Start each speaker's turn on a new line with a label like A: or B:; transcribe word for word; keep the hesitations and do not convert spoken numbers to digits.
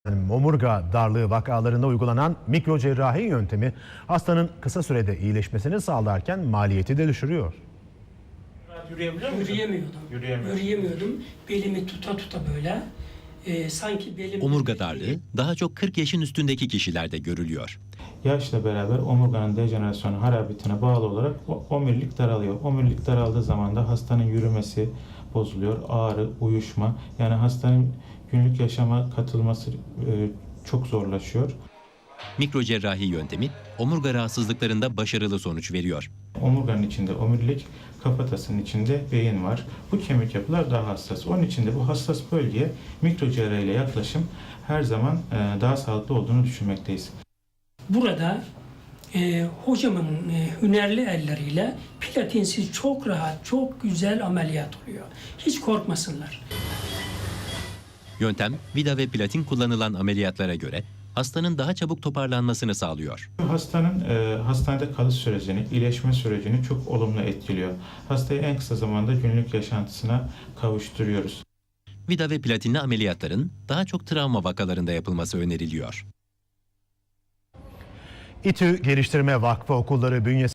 A: Omurga darlığı vakalarında uygulanan mikrocerrahi yöntemi hastanın kısa sürede iyileşmesini sağlarken maliyeti de düşürüyor.
B: Yürüyebiliyor musun?
C: Yürüyemiyordum.
B: Yürüyemiyorsun.
C: Yürüyemiyordum. Belimi tuta tuta böyle. e, sanki belim...
D: Omurga darlığı daha çok kırk yaşın üstündeki kişilerde görülüyor.
E: Yaşla beraber omurganın dejenerasyonu harabiyetine bağlı olarak o- omurilik daralıyor. Omurilik daraldığı zaman da hastanın yürümesi bozuluyor, ağrı, uyuşma. Yani hastanın günlük yaşama katılması e, çok zorlaşıyor.
D: Mikrocerrahi yöntemi omurga rahatsızlıklarında başarılı sonuç veriyor.
E: Omurganın içinde omurilik, kafatasının içinde beyin var. Bu kemik yapılar daha hassas. Onun için de bu hassas bölgeye mikrocerrahi ile yaklaşım her zaman e, daha sağlıklı olduğunu düşünmekteyiz.
C: Burada e, hocamın e, hünerli elleriyle platinsiz çok rahat, çok güzel ameliyat oluyor. Hiç korkmasınlar.
D: Yöntem vida ve platin kullanılan ameliyatlara göre hastanın daha çabuk toparlanmasını sağlıyor.
E: Hastanın e, hastanede kalış sürecini, iyileşme sürecini çok olumlu etkiliyor. Hastayı en kısa zamanda günlük yaşantısına kavuşturuyoruz.
D: Vida ve platinli ameliyatların daha çok travma vakalarında yapılması öneriliyor.
A: İTÜ Geliştirme Vakfı okulları bünyesinde